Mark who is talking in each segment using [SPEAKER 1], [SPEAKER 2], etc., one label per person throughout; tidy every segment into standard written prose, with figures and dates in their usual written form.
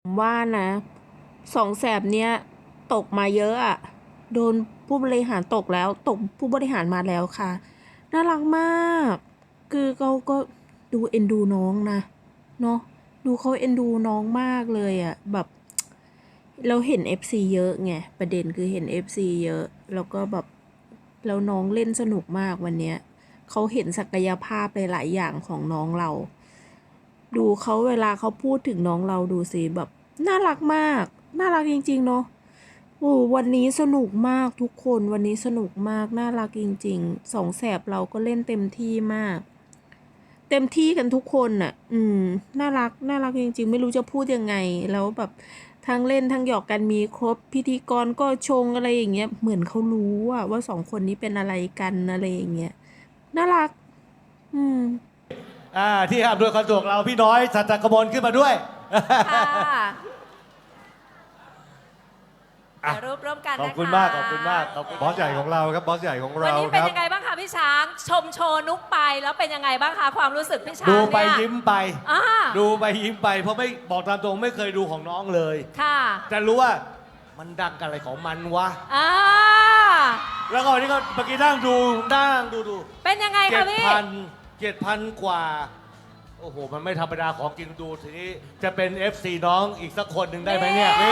[SPEAKER 1] ว่านะสองแสบเนี้ยตกมาเยอะอะโดนผู้บริหารตกแล้วตกผู้บริหารมาแล้วค่ะน่ารักมากคือเขาก็ดูเอ็นดูน้องนะเนาะดูเขาเอ็นดูน้องมากเลยอะแบบเราเห็น FC เยอะไงประเด็นคือเห็น FC เยอะแล้วก็แบบแล้วน้องเล่นสนุกมากวันเนี้ยเขาเห็นศักยภาพหลายๆอย่างของน้องเรา ดูเขาเวลาเขาพูดถึงน้องเราดูสิแบบน่ารักมากน่ารักจริงๆเนาะโอ้วันนี้สนุกมากทุกคนวันนี้สนุกมากน่ารักจริงๆสองแสบเราก็เล่นเต็มที่มาก เต็มที่กันทุกคนน่ะน่ารักน่ารักจริงๆไม่รู้จะพูดยังไงแล้วแบบทั้งเล่นทั้งหยอกกันมีครบพิธีกรก็ชงอะไรอย่างเงี้ยเหมือนเขารู้ว่าสองคนนี้เป็นอะไรกันอะไรอย่างเงี้ยน่ารักอืม
[SPEAKER 2] ที่อำนวยความสะดวกเราพี่น้อยสัจจกมลขึ้นมาด้วย
[SPEAKER 3] ค่ะ
[SPEAKER 2] อ่ะ
[SPEAKER 3] ถ่ายรูปร่วมกันนะคะ
[SPEAKER 2] ขอบคุณมากขอบคุณมากขอบคุณ
[SPEAKER 4] บอสใหญ่ของเราครับบอสใหญ่ของ
[SPEAKER 3] วัน
[SPEAKER 4] เรา
[SPEAKER 3] นี้
[SPEAKER 4] ค
[SPEAKER 3] เป็น
[SPEAKER 4] รับ
[SPEAKER 3] ยังไงบ้างคะพี่ช้างชมโชว์นุกไปแล้วเป็นยังไงบ้างคะความรู้สึกพี่ช้าง
[SPEAKER 2] ดูไป
[SPEAKER 3] เนี่ย
[SPEAKER 2] ยิ้มไป
[SPEAKER 3] อ่า
[SPEAKER 2] ดูไปยิ้มไปเพราะไม่บอกตามตรงไม่เคยดูของน้องเลย
[SPEAKER 3] ค่ะ
[SPEAKER 2] จะรู้ว่ามันดังกันอะไรของมันวะ
[SPEAKER 3] อ่า
[SPEAKER 2] แล้วก็วันนี้ก็เมื่อกี้นั่งดูดู
[SPEAKER 3] เป็นยังไง
[SPEAKER 2] เจ็
[SPEAKER 3] คะ
[SPEAKER 2] ด
[SPEAKER 3] พี่
[SPEAKER 2] พันกว่าโอ้โหมันไม่ธรรมดาของกินดูทีนี้จะเป็น FC น้องอีกสักคนหนึ่งได้ไหมเนี่ย
[SPEAKER 4] นี่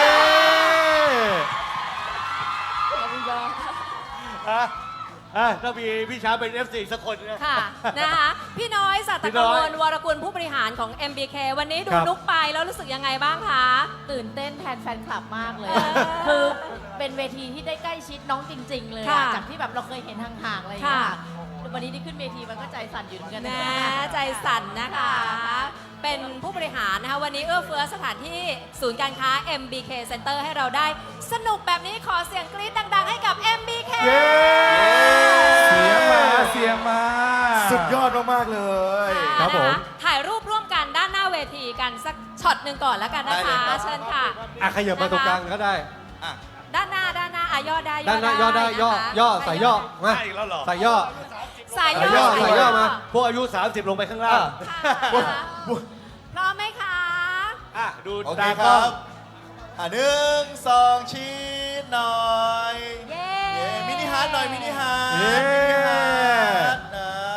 [SPEAKER 2] ถ้ามีพี่ช้างเป็น FC สักคนนะ
[SPEAKER 3] ค่ะนะคะพี่น้อยสัต
[SPEAKER 2] พี่
[SPEAKER 3] ก
[SPEAKER 2] น้
[SPEAKER 3] ม
[SPEAKER 2] อย
[SPEAKER 3] ลวรกุลผู้บริหารของ MBK วันนี้ดูนุกไปแล้วรู้สึกยังไงบ้างคะ
[SPEAKER 5] ตื่นเต้นแทนแฟนคลับมากเลย
[SPEAKER 3] เออ
[SPEAKER 5] คือเป็นเวทีที่ได้ใกล้ชิดน้องจริง ๆ เลยอะ
[SPEAKER 3] ค่ะ
[SPEAKER 5] จากที่แบบเราเคยเห็นห่างๆอะไรอย่างเงี้ย
[SPEAKER 3] ค่ะ
[SPEAKER 5] วันนี้ที่ขึ้นเวทีมันก็ใจสั่นอยู่เหมือนกัน
[SPEAKER 3] แห
[SPEAKER 5] นะ
[SPEAKER 3] มใจสั่นนะคะ เป็นผู้บริหารนะคะวันนี้เอื้อเฟื้อสถานที่ศูนย์การค้า MBK Center ให้เราได้สนุกแบบนี้ขอเสียงกรี๊ดดัง ๆ ให้กับ MBK
[SPEAKER 4] เย้เสียงมาเสียงมา
[SPEAKER 6] สุดยอดมาก ๆ เลย
[SPEAKER 4] ครับผม
[SPEAKER 3] นะคะถ่ายรูปร่วมกันด้านหน้าเวทีกันสักช็อตหนึ่งก่อนแล้วกันนะคะ
[SPEAKER 6] ได้เลยครับ
[SPEAKER 3] เชิญค่ะ
[SPEAKER 4] ขยับมาตรงกลางก็ได้
[SPEAKER 3] ด้านหน้าย่อได้
[SPEAKER 4] ด้านหน้าย่อได้ย่อ
[SPEAKER 3] นะคะ
[SPEAKER 4] ย่อใส่ย่อมา
[SPEAKER 2] ใช่แล้วเหรอ
[SPEAKER 4] ใส่ย่อ
[SPEAKER 3] สาย
[SPEAKER 4] ใส่ย่
[SPEAKER 3] ย่
[SPEAKER 4] อ
[SPEAKER 3] อ
[SPEAKER 4] ใส่ย่อมา
[SPEAKER 2] พวกอายุ 30 ลงไปข้างล่าง
[SPEAKER 3] ค่ะนะคะพร้อมไหมคะ
[SPEAKER 2] ดู
[SPEAKER 6] โอเค
[SPEAKER 2] ตา
[SPEAKER 6] ค
[SPEAKER 2] กล้
[SPEAKER 6] รั
[SPEAKER 2] อง
[SPEAKER 6] บหนึ่งสองชี้หน่อย
[SPEAKER 3] เย้
[SPEAKER 6] เย้มินิฮาร์ดหน่อยมินิฮาร์ด
[SPEAKER 4] เย้
[SPEAKER 6] มินิฮาร์ด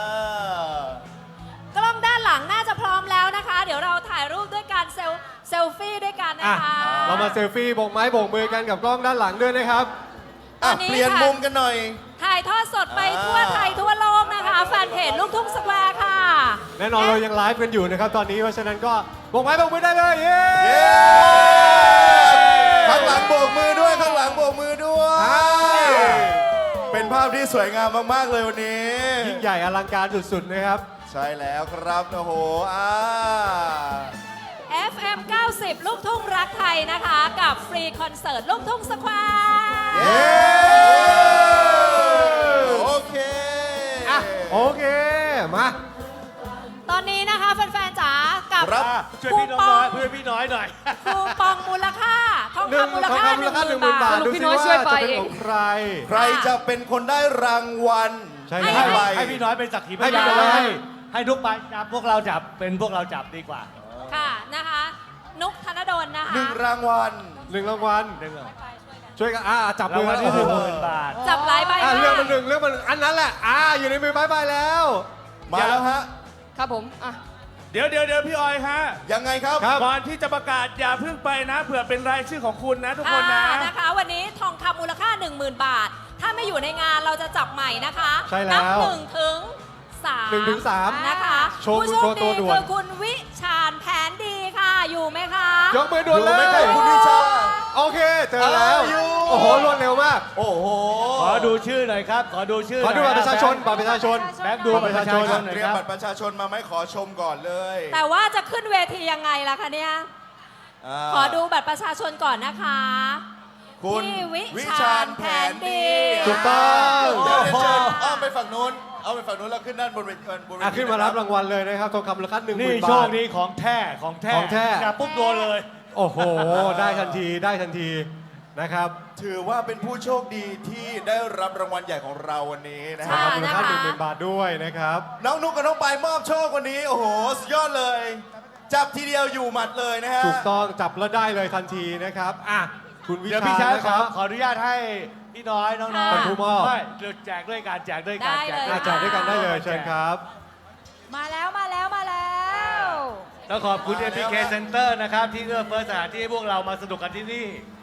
[SPEAKER 3] กล้องด้านหลังน่าจะพร้อมแล้วนะคะ เดี๋ยวเราถ่ายรูปด้วยกันเซลฟี่ด้วยกันนะคะ
[SPEAKER 4] เรามาเซลฟี่โบกไม้โบกมือกันกับกล้องด้านหลังด้วยนะครับ
[SPEAKER 3] ตอนนี้
[SPEAKER 6] เปลี่ยน
[SPEAKER 3] ค่ะ
[SPEAKER 6] มุมกันหน่อย
[SPEAKER 3] ถ่ายทอดสดไปทั่วไทยทั่วโลกนะคะ แฟนเพจลูกทุ่งสแควร์ค่ะ
[SPEAKER 4] แน่นอนเรายังไลฟ์กันอยู่นะครับตอนนี้เพราะฉะนั้นก็โบกไม้โบกมือได้เลยเย้
[SPEAKER 6] เย้ ข้างหลังโบกมือด้วยข้างหลังโบกมือด้วย เป็นภาพที่สวยงามมาก ๆ เลยวันนี้
[SPEAKER 4] ยิ่งใหญ่อลังการสุดๆนะครับ
[SPEAKER 6] ใช่แล้วครับโอ้โห
[SPEAKER 3] FM 90 ลูกทุ่งรักไทยนะคะ กับฟรีคอนเสิร์ตลูกทุ่งสแควร์
[SPEAKER 6] เย้โอเค
[SPEAKER 4] โอเคมา
[SPEAKER 3] ตอนนี้นะคะแฟนๆจ๋ากับ
[SPEAKER 6] ครับ
[SPEAKER 2] ช่วย
[SPEAKER 3] คู
[SPEAKER 2] พี่น้
[SPEAKER 3] ป
[SPEAKER 2] อ
[SPEAKER 3] อง ง
[SPEAKER 2] เพื่อนพี่น้อยหน่อย
[SPEAKER 3] คูปองมูลค่าทองคำมูลค่า
[SPEAKER 4] มูลค่า
[SPEAKER 3] 10,000
[SPEAKER 4] 10,000 บาท
[SPEAKER 3] บาท
[SPEAKER 4] ดูสิว่าจะเป็นของใคร
[SPEAKER 6] ใครจะเป็นคนได้รางวัล
[SPEAKER 4] ใช่
[SPEAKER 3] ให้
[SPEAKER 4] แล้ว
[SPEAKER 6] ไป
[SPEAKER 2] ให้พี่น้อยเป็นสักขีพ
[SPEAKER 4] ให้พี่
[SPEAKER 2] ยาน
[SPEAKER 4] น้อย
[SPEAKER 2] ให้ทุกไปจับพวกเราจับเป็นพวกเราจับดีกว่า
[SPEAKER 3] ค่ะนะคะ นุกธนดลนะคะ
[SPEAKER 6] หนึ่งรางวัล
[SPEAKER 4] หนึ่งรางวัล
[SPEAKER 2] หนึ่งเหรอ
[SPEAKER 4] ช่วยกันจับ
[SPEAKER 2] รา
[SPEAKER 4] มื
[SPEAKER 2] ง
[SPEAKER 4] อ
[SPEAKER 2] วัล
[SPEAKER 4] กัน
[SPEAKER 2] ที่
[SPEAKER 4] โอ้โห
[SPEAKER 2] 10,000 บาท
[SPEAKER 3] จับหลายใบมาก
[SPEAKER 4] เรื่องมันหนึ่งเรื่องมันหนึ่งอันนั้นแหละอยู่ในมือบายแล้ว
[SPEAKER 6] มาแล้วฮะ
[SPEAKER 5] ครับผมอ่ะ
[SPEAKER 7] เดี๋ยวพี่ออยฮะ
[SPEAKER 6] ยังไงครับ
[SPEAKER 4] ครับ
[SPEAKER 7] ก่อนที่จะประกาศอย่าเพิ่งไปนะเผื่อเป็นรายชื่อของคุณนะทุกคนนะ
[SPEAKER 3] นะคะ วันนี้ทองคำมูลค่า 10,000 บาท ถ้าไม่อยู่ในงานเราจะจับใหม่นะคะ
[SPEAKER 4] ใช่แล้ว
[SPEAKER 3] นับ1 ถึง 3
[SPEAKER 4] 1 ถึง 3
[SPEAKER 3] นะคะ
[SPEAKER 4] โชว์
[SPEAKER 3] ผู้
[SPEAKER 4] โชว์ตัวด่วน
[SPEAKER 3] คือคุณวิชาญแผนดีค่ะ อยู่ไหมคะ
[SPEAKER 4] ยกมือด่วนเล
[SPEAKER 6] อยู่ไหมครั
[SPEAKER 4] ย
[SPEAKER 6] บคุณวิชา
[SPEAKER 4] โอเคเจอแล้ว
[SPEAKER 6] อยู่
[SPEAKER 4] โอ้โหรวดเร็วมาก
[SPEAKER 6] โอ้โห
[SPEAKER 2] ขอดูชื่อหน่อยครับ ขอดูชื่อ
[SPEAKER 4] ขอดู
[SPEAKER 2] หน่
[SPEAKER 4] บั
[SPEAKER 2] ย
[SPEAKER 4] ตรประชาชนบัตรประชาชน
[SPEAKER 2] แบ็คดูบัตรประชาชนหน่อย
[SPEAKER 6] เตรี
[SPEAKER 2] ค
[SPEAKER 6] ยม
[SPEAKER 2] รับ
[SPEAKER 6] บัตรประชาชนมาไหมขอชมก่อนเลย
[SPEAKER 3] แต่ว่าจะขึ้นเวทียังไงล่ะคะเนี่ย ขอดูบัตรประชาชนก่อนนะคะ
[SPEAKER 6] คุณ
[SPEAKER 3] พี่วิ
[SPEAKER 6] วิ
[SPEAKER 3] ชา
[SPEAKER 6] ชา
[SPEAKER 3] ญ
[SPEAKER 6] ญ
[SPEAKER 3] แผ
[SPEAKER 6] แผ
[SPEAKER 3] น
[SPEAKER 6] น
[SPEAKER 3] ดี
[SPEAKER 6] ดี
[SPEAKER 4] ถูกต้อง
[SPEAKER 6] เดี๋ยวเชิญอ้อมไปฝั่งนู้นเอาไปฝั่งนู้นแล้วขึ้นด้านบนเวทีบนเวที
[SPEAKER 4] ขึ้นมารับรางวัลเลยนะครับทองคำมูลค่า
[SPEAKER 2] นี่
[SPEAKER 4] 10,000
[SPEAKER 2] โช
[SPEAKER 4] บา
[SPEAKER 2] ค
[SPEAKER 4] ท
[SPEAKER 2] ดีของแท้ของแท้
[SPEAKER 4] ของแท้
[SPEAKER 2] จับปุ๊บโดนเลย
[SPEAKER 4] โอ้โห ได้ทันทีได้ทันทีนะครับ
[SPEAKER 6] ถือว่าเป็นผู้โชคดีที่ได้รับรางวัลใหญ่ของเราวันนี้นะ
[SPEAKER 4] ทอง
[SPEAKER 6] ฮะ
[SPEAKER 4] คำมูลค่า
[SPEAKER 3] นะคะ
[SPEAKER 4] 10,000 บาทด้วยนะครับ
[SPEAKER 6] น้องนุกกับน้องปายมอบโชควันนี้ โอ้โห สุดยอดเลยจับทีเดียวอยู่หมัดเลยนะฮะ
[SPEAKER 4] ถูกต้องจับแล้วได้เลยทันทีนะครับอ่ะคุณวิ
[SPEAKER 2] เดี๋ยว
[SPEAKER 4] ชา
[SPEAKER 2] พี่ชาย
[SPEAKER 4] นะ
[SPEAKER 2] ข
[SPEAKER 4] ค
[SPEAKER 2] อ
[SPEAKER 4] รับ
[SPEAKER 2] ขออนุญาตให้พี่น้อยน้องๆ
[SPEAKER 4] เป็นผู้มอบ
[SPEAKER 2] ไม่เดี๋ยวแจกด้วยการแจกด้วยการ
[SPEAKER 3] ได้เลย
[SPEAKER 2] แจก
[SPEAKER 4] อาจารย์ด้วยกันได้เลยเชิญครับ
[SPEAKER 5] มาแล้วมาแล้วมาแล้ว
[SPEAKER 2] แล้วขอบคุณ MBK Center นะครับ ที่เอื้อเฟื้อสถานที่ให้พวกเรามาสนุกกันที่นี่